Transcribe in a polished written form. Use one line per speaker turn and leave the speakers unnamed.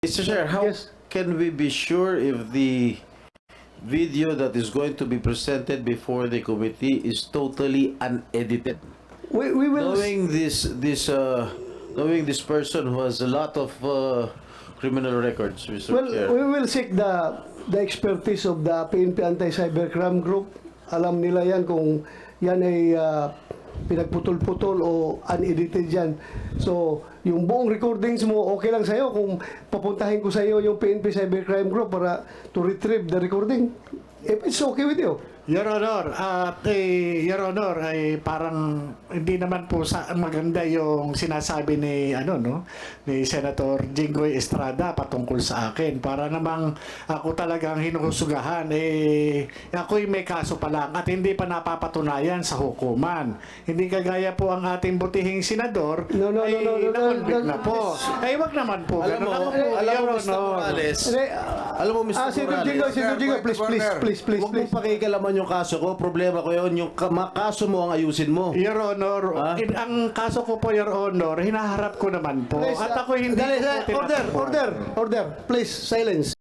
Mr. Chair, how
Yes.
can we be sure if the video that is going to be presented before the committee is totally unedited?
We will.
Knowing this person who has a lot of criminal records, Mr.
Well,
Chair.
we will seek the expertise of the PNP Anti-Cybercrime Group. Alam nila yan kung yan ay pinagputol-putol o unedited yan. So, yung buong recordings mo, okay lang sa'yo kung papuntahin ko sa'yo yung PNP Cybercrime Group para to retrieve the recording. If it's okay with you.
Your Honor, Your Honor, ay parang hindi naman po maganda yung sinasabi ni ni Senator Jinggoy Estrada patungkol sa akin. Para namang ako talagang hinuhusugahan ako'y may kaso pa lang at hindi pa napapatunayan sa hukuman. Hindi kagaya po ang ating butihing senador
No,
na-convict na po. Ay wag naman po.
Alam mo,
Your
Mr.
Honor.
Morales,
Hindi,
alam mo, Mr.
Senator
Morales,
Jingo, please.
huwag mong pakikalaman yung kaso ko. Problema ko yun. Yung kaso mo ang ayusin mo.
Your Honor,
Ha?
ang kaso ko po, Your Honor, hinaharap ko naman po.
Please,
At ako hindi
dali,
ko po
order.
tinatakbuhan.
Please, silence.